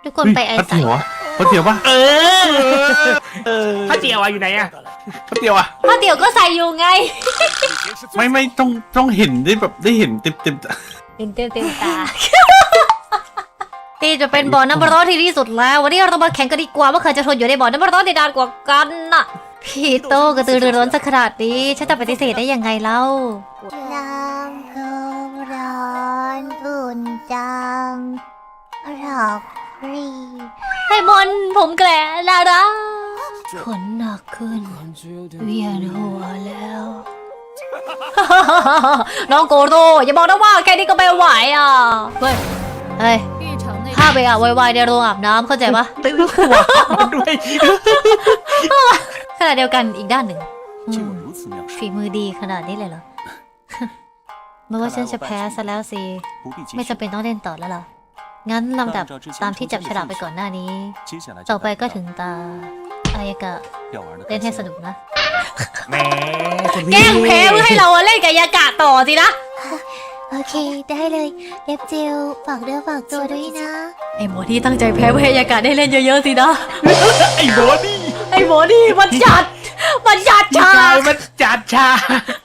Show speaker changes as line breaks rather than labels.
ทุกคนไปไอ
ข้าว
ใส่
เตี๋ยวอะข้าวเตี๋ยวปะ
ข้าวเจียวอะอยู่ไหนอะ
ข้าวเตี๋ยวอะ
ข้าวเตี๋ยวก็ใส่อยู่ไง
ไม่ต้องเห็นได้แบบได้เห็นเต็ม
เต็มตา ที่จะเป็นบ่อน้ำร้อนที่ดีสุดแล้ววันนี้เรามาแข่งกันดีกว่าว่าใครจะทนอยู่ในบ่อน้ำร้อนได้นานกว่ากันน่ะพี่โตกระตือรือร้นสักขนาดนี้ฉันจะปฏิเสธได้ยังไงเล่า
น้ำท่วมร้อนอุ่นจังหลอกฟรี
ให้มนผมแกละนะนะขนหนักขึ้นเวียนหัวแล้ว น้องโกโร่อย่าบอกนะว่าแค่นี้ก็ไม่ไหวอ่ะเฮ้ยถ้าไปอาบไวๆในโรงอาบน้ำเข้าใจปะ
ตื้อหัวด้วย
ขณะเดียวกันอีกด้านหนึ่งฝีมือดีขนาดนี้เลยเหรอ เมื่อว่าฉันจะแพ้ซะแล้วสิไม่จำเป็นต้องเล่นต่อแล้วล่ะงั้นลำดับตามที่จับฉลากไปก่อนหน้านี้ต่อไปก็ถึงตาอายากะเล่นให้สนุกนะ
แหมคุณ
แก
พี่
ล้งแพ้เพื่อให้เราเล่นกับอายากะต่อสินะ
โอเคได้เลยเล็บเจลฝากเนื้อฝากตัวด้วยนะ
ไอ้หมอที่ตั้งใจแพ้เพื่อให้อายากะได้เล่นเยอะๆสินะ
ไอ้โบนี่
ไอ้หมอนี่มันจัด
กายมันจัดชา